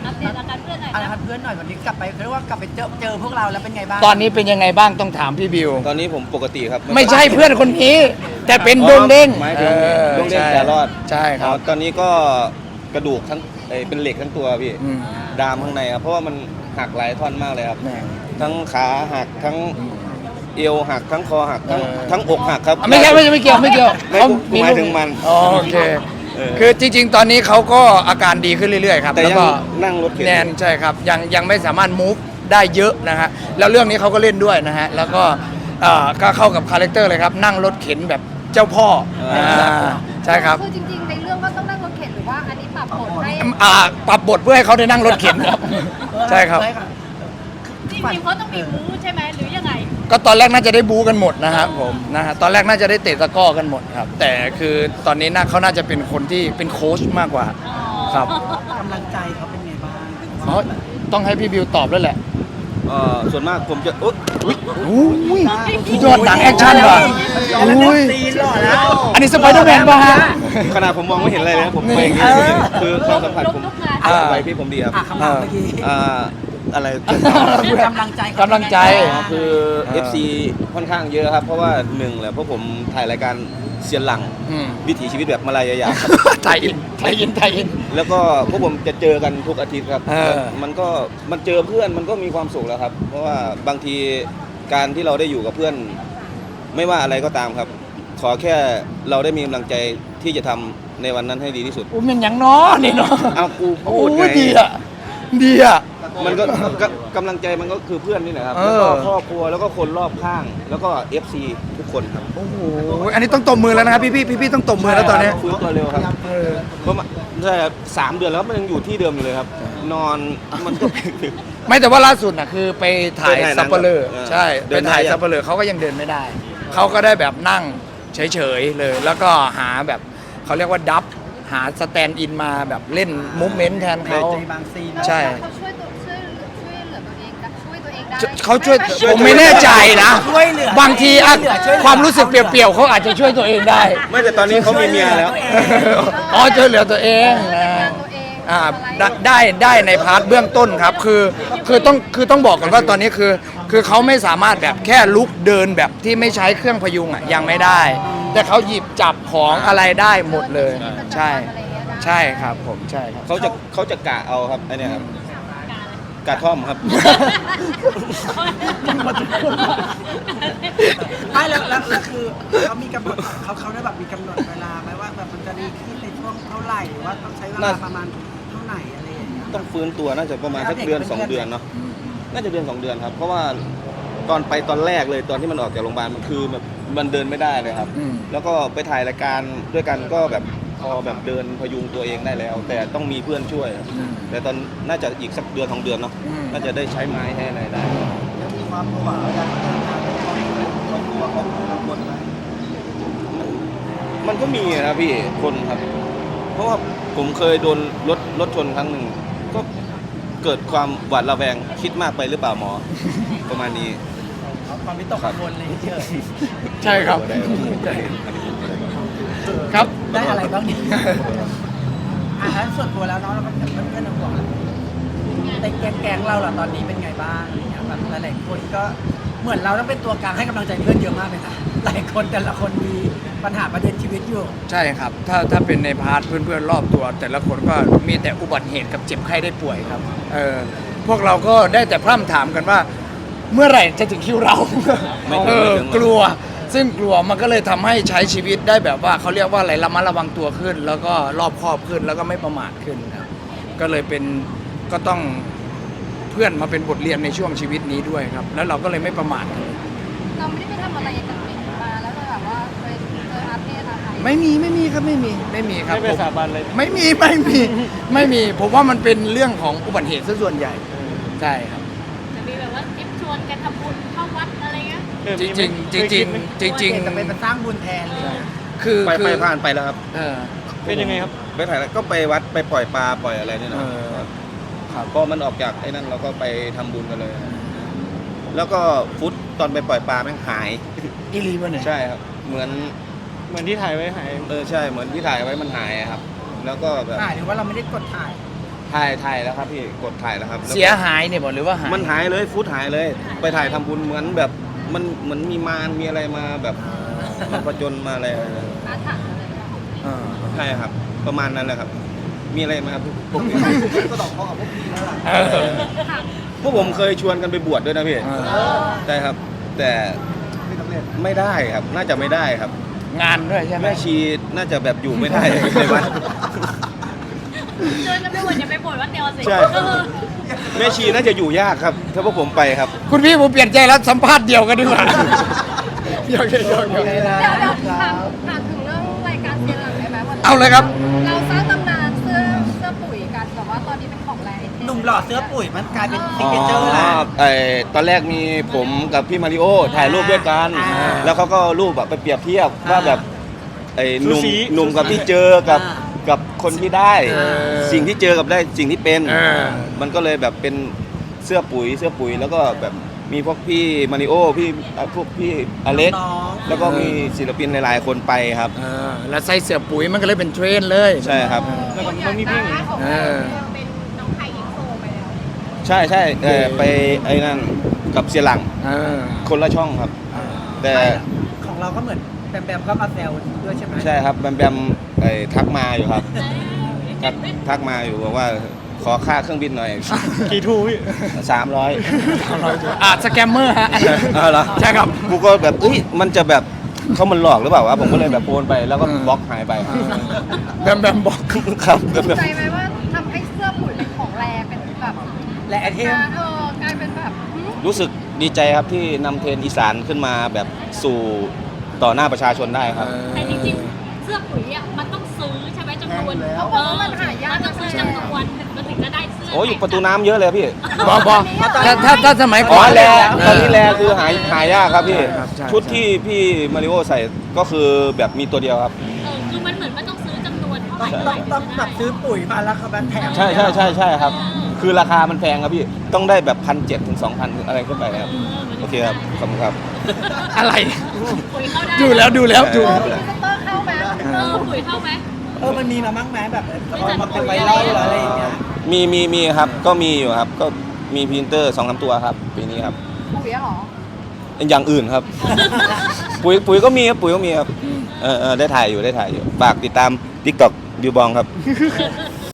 อัปเดตอาการเพื่อนหน่อยอานะหารเพื่อนหน่อยวันนี้กลับไปเรียกว่ากลับไปเจอพวกเราแล้วเป็นไงบ้างตอนนี้เป็นยังไงบ้างต้องถามพี่บิวตอนนี้ผมปกติครับไม่ใช่เพื่อนคนนี้ แต่เป็นดวงเด้งหมายถึงดวงเด้งแต่รอดใช่ครับตอนนี้ก็กระดูกทั้งเป็นเหล็กทั้งตัวพี่อืมดามข้างในครับเพราะว่ามันหักหลายท่อนมากเลยครับแหม่ทั้งขาหักทั้งเอวหักทั้งคอหักทั้งอกหักครับไม่ใช่ไม่เกี่ยวไม่เขาผมหมายถึงมันอ๋อโอเคเออคือจริง ๆ ตอนนี้เขาก็อาการดีขึ้นเรื่อยๆครับแต่แล้วยังก็นั่งรถเข็นแนนใช่ครับยังไม่สามารถ move ได้เยอะนะฮะแล้วเรื่องนี้เขาก็เล่นด้วยนะฮะแล้วก็ก็เข้ากับคาแรคเตอร์เลยครับนั่งรถเข็นแบบเจ้าพ่อใช่ครับคือจริงๆในเรื่องก็ต้องนั่งรถเข็นหรือว่าอันนี้ปรับบทให้ปรับบทเพื่อให้เขาได้นั่งรถเข็นครับ ใช่ครับจริงๆเขาต้องมีบู๊ใช่ไหมหรือยังไงก็ตอนแรกน่าจะได้บู๊กันหมดนะครับผมนะฮะตอนแรกน่าจะได้เตะตะกร้อกันหมดครับ แต่คือตอนนี้เขาน่าจะเป็นคนที่เป็นโค้ชมากกว่าครับกำลังใจเขาเป็นไงบ้างอ๋อต้องให้พี่บิวตอบแล้วแหละส่วนมากผมจะอุ๊ยอุ้ยสุดยอดหนังแอคชั่นว่ะอุ้ยตีนหล่อแล้วอันนี้สไปเดอร์แมนป่ะฮะขนาดผมมองไม่เห็นอะไรเลยนะผมไปอย่างนี้เออคือความสัมผัสผมลุกๆงานไปพี่ผมดีครับคำถามเมื่อกี้อะไรกำลังใจกำลังใจคือ FC ค่อนข้างเยอะครับ เพราะว่าหนึ่งแหละเพราะผมถ่ายรายการเซียนหลังอืมวิถีชีวิตแบบมาลายายาครับไทยอินแล้วก็พวกผมจะเจอกันทุกอาทิตย์ครับ มันเจอเพื่อนมันก็มีความสุขแล้วครับ เพราะว่าบางทีการที่เราได้อยู่กับเพื่อน ไม่ว่าอะไรก็ตามครับ ขอแค่เราได้มีกำลังใจที่จะทำในวันนั้นให้ดีที่สุดอุ้ยมันยังน้อนี่เนาะเอากูโอ้พูดไงดีอ่ะดีอ่ะมันก็กำลังใจมันก็คือเพื่อนนี่แหละครับเอแล้วอก็ครอบครัวแล้วก็คนรอบข้าง แล้วก็ FC ทุกคนครับโอ้โหอันนี้ต้องตบมือแล้วนะครับพี่ต้องตบมือแล้วตอนนี้ฟื้นตัวเร็วครับเออเพราะมันใช่ครับ3 เดือนแล้วมันยังอยู่ที่เดิมอยู่เลยครับ นอนมันก็ไม่แต่ว่าล่าสุดน่ะคือไปถ่ายไปถ่ายหนังซัปเปอร์เลอร์เออใช่เดิไปนได้ถ่ายยังซัปเปอร์เลอร์เขาก็ยังเดินไม่ได้เขาก็ได้แบบนั่งเฉยๆเลย แล้วก็หาแบบเขาเรียกว่าดับหาสแตนด์อินมาแบบเล่นมูฟเมนต์แทนเขาใจบางซีนใช่เขาช่วยเหลือตัวเองได้ช่วยตัวเองได้เขาช่วยผมไม่แน่ใจนะช่วยเหลือบางทีอะช่วยเหลือความรู้สึกเปรียวๆเขาอาจจะช่วยตัวเองได้ไม่แต่ตอนนี้เขามีเมียแล้วอ๋อช่วยเหลือตัวเองนะตัวเองได้ในพาร์ทเบื้องต้นครับคือต้องบอกก่อนว่าตอนนี้คือเขาไม่สามารถแบบแค่ลุกเดินแบบที่ไม่ใช้เครื่องพยุงอ่ะยังไม่ได้ แต่เขาหยิบจับของอะไรได้หมดเลย ใช่ใช่ครับผมใช่ครับเขาจะกะเอาครับไอเนี่ยครับกะท่อมครับไม่แล้วคือเขามีกำหนดเขาได้แบบมีกำหนดเวลาไหมว่าแบบมันจะดีขึ้นในช่วงเท่าไหร่หรือว่าต้องใช้เวลาประมาณเท่าไหร่อะไรอย่างเงี้ยต้องฟื้นตัวน่าจะประมาณสักเดือน 2 เดือนเนาะน่าจะเดือน 2 เดือนครับ เพราะว่าตอนแรกเลยตอนที่มันออกจากโรงพยาบาลมันคือแบบมันเดินไม่ได้เลยครับอืมแล้วก็ไปถ่ายรายการด้วยกันก็แบบพอแบบเดินพยุงตัวเองได้แล้ว แต่ต้องมีเพื่อนช่วยครับแต่ตอนน่าจะอีกสักเดือน 2 เดือนเนาะน่าจะได้ใช้ไม้ให้อะไรได้ยังมีความหวาการทำงานเขากลัวเขากังวลไหมมันก็มีนะพี่คนครับ เพราะว่าผมเคยโดนรถชนครั้งหนึ่งก็เกิดความหวาดระแวงคิดมากไปหรือเปล่าหมอ ประมาณนี้ความวิตกกังวลเลยเฉยใช่ครับครับได้อะไรบ้างเนี่ยแล้วส่วนตัวแล้วเนาะเราก็เพื่อนๆห่วงในแก๊งเราล่ะตอนนี้เป็นไงบ้างแบบหลายๆคนก็เหมือนเราต้องเป็นตัวกลางให้กำลังใจเพื่อนเยอะมากเลยนะหลายคนแต่ละคนมีปัญหาประเด็นชีวิตอยู่ใช่ครับถ้าเป็นในพาร์ทเพื่อนๆรอบตัว แต่ละคนก็มีแต่อุบัติเหตุกับเจ็บไข้ได้ป่วยครับพวกเราก็ได้แต่พร่ำถามกันว่า เมื่อไหร่จะถึงคิวเราไม่ถึงกลัว ซึ่งกลัวมันก็เลยทำให้ใช้ชีวิตได้แบบว่าเขาเรียกว่าอะไรระมัดระวังตัวขึ้น แล้วก็รอบคอบขึ้นแล้วก็ไม่ประมาทขึ้นครับก็เลยเป็นก็ต้องเพื่อนมาเป็นบทเรียนในช่วงชีวิตนี้ด้วยครับ แล้วเราก็เลยไม่ประมาทเราไม่ได้ไปทำอะไรกันมาแล้วก็แบบว่าเคยเจออาเพศอะไรไม่มีครับไม่มีครับไม่ไปสาบานเลยไม่มีผมว่ามันเป็นเรื่องของอุบัติเหตุซะส่วนใหญ่ใช่ครับจะมีแบบว่าทริปชวนกันทำบุญเข้าวัดอะไรเงี้ยจริงจะเป็นมาสร้างบุญแทนเลยคือไปผ่านไปแล้วครับเป็นยังไงครับไปถ่ายแล้วก็ไปวัดไปปล่อยปลาปล่อยอะไรเนี่ยนะครับพอมันออกจากไอ้นั่นเราก็ไปทำบุญกันเลย แล้วก็ฟุตตอนไปปล่อยปลาแม่งหายอีลีมันเนี่ยใช่ครับ เหมือนเหมือนที่ถ่ายไว้หายใช่เหมือนที่ถ่ายไว้มันหายอะครับ แล้วก็แบบถ่ายหรือว่าเราไม่ได้กดถ่ายถ่ายแล้วครับพี่กดถ่ายแล้วครับแล้วก็เสียหายเนี่ยบอกหรือว่าหายมันหายเลยฟุตหายเลย ไปถ่ายทำบุญเหมือนแบบมันเหมือนมีมารมีอะไรมาแบบมาผจญมาอะไรอาถรรพ์อะไรแบบนี้เออใช่ครับ ประมาณนั้นแหละครับ มีอะไรมาพวกนี้ก็ต้องพอกับพวกพี่แล้วล่ะเออพวกผมเคยชวนกันไปบวชด้วยนะพี่ ใช่ครับ แต่ไม่สำเร็จไม่ได้ครับ น่าจะไม่ได้ครับงานด้วยใช่ไหมแม่ชีน่าจะแบบอยู่ไม่ได้ ในวัดเชิญกันไปหมดอย่าไปบ่นว่าเตียวสิใช่ แม่ชีน่าจะอยู่ยากครับ ถ้าพวกผมไปครับคุณพี่ผมเปลี่ยนใจแล้วสัมภาษณ์เดียวกันดีกว่าเดี๋ยวเดี๋ยวถามถึงเรื่องรายการเซียนหลังได้ไหมวันนี้เอาเลยครับเราสร้างตำนานเสื้อปุ๋ยกันแต่ว่าตอนนี้เป็นของแรงหนุ่มหล่อเสื้อปุ๋ยมันกลายเป็นซิกเนเจอร์แล้วตอนแรกมีผมกับพี่มาริโอถ่ายรูปด้วยกันอ่าแล้วเขาก็เอารูปแบบไปเปรียบเทียบว่าแบบไอ้หนุ่มสูสีหนุ่มกับที่เจอกับคนที่ได้ สิ่งที่เจอกับได้สิ่งที่เป็น มันก็เลยแบบเป็นเสื้อปุ๋ยแล้วก็แบบมีพวกพี่มาริโอพวกพี่อเล็กน้องแล้วก็มีศิลปินหลายๆ คนไปครับเออแล้วใส่เสื้อปุ๋ยมันก็เลยเป็นเทรนด์เลยใช่ครับแล้วมันมีเพลงเออเป็นน้องไทยอินโซไปแล้วใช่ไปไอ้นั่นกับเสียหลังเออคนละช่องครับ แต่ของเราก็เหมือนแบมก็มาแซวด้วยใช่ไหมใช่ครับแบมทักมาอยู่ครับทักมาอยู่บอกว่าขอค่าเครื่องบินหน่อยกี่ทูพี่ 300 สแกมเมอร์ฮะเอาเหรอใช่ครับกูก็แบบเอ้ยมันจะแบบเขามันหลอกหรือเปล่าวะผมก็เลยแบบโอนไปแล้วก็บล็อกหายไปแบมบอกครับใจไหมว่าทำให้เสื้อปุ๋ยเป็นของแรงเป็นแบบและไอเทมกลายเป็นแบบรู้สึกดีใจครับที่นำเทรนด์อีสานขึ้นมาแบบสู่ต่อหน้าประชาชนได้ครับแต่จริงๆ เสื้อปุ๋ยอ่ะมันต้องซื้อใช่ไหมจำนวนเขาบอกว่ามันหายากมันต้องซื้อจำนวนมันถึงจะได้เสื้อโอ้อยู่ประตูน้ำเยอะเลยพี่บอกถ้าสมัยอ๋ก่ออนแลเตอนนี้แลคือหายากครับพี่ครับใช่ชุดที่พี่มาริโอใส่ก็คือแบบมีตัวเดียวครับคือมันเหมือนมันต้องซื้อจำนวนเท่าไหร่ต้องแบบซื้อปุ๋ยมาแล้วเขาแถมใช่ครับ คือราคามันแพงครับพี่ ต้องได้แบบ1,700 ถึง 2,000 อะไรขึ้นไปครับ โอเคครับ ขอบคุณครับอะไรปุ๋ยเข้าได้ดูแล้วดูพรีเซนเตอร์เข้าไหมปุ๋ยเข้าไหมมันมีมามั่งไหมแบบมันเป็นไวรัลหรืออะไรอย่างเงี้ยมีครับ ก็มีอยู่ครับ ก็มีพรีเซนเตอร์ 2-3 ตัวครับ ปีนี้ครับปุ๋ยเหรออย่างอื่นครับ ปุ๋ยก็มีครับ ปุ๋ยก็มีครับ ได้ถ่ายอยู่ ฝากติดตาม TikTok บิวบองครับ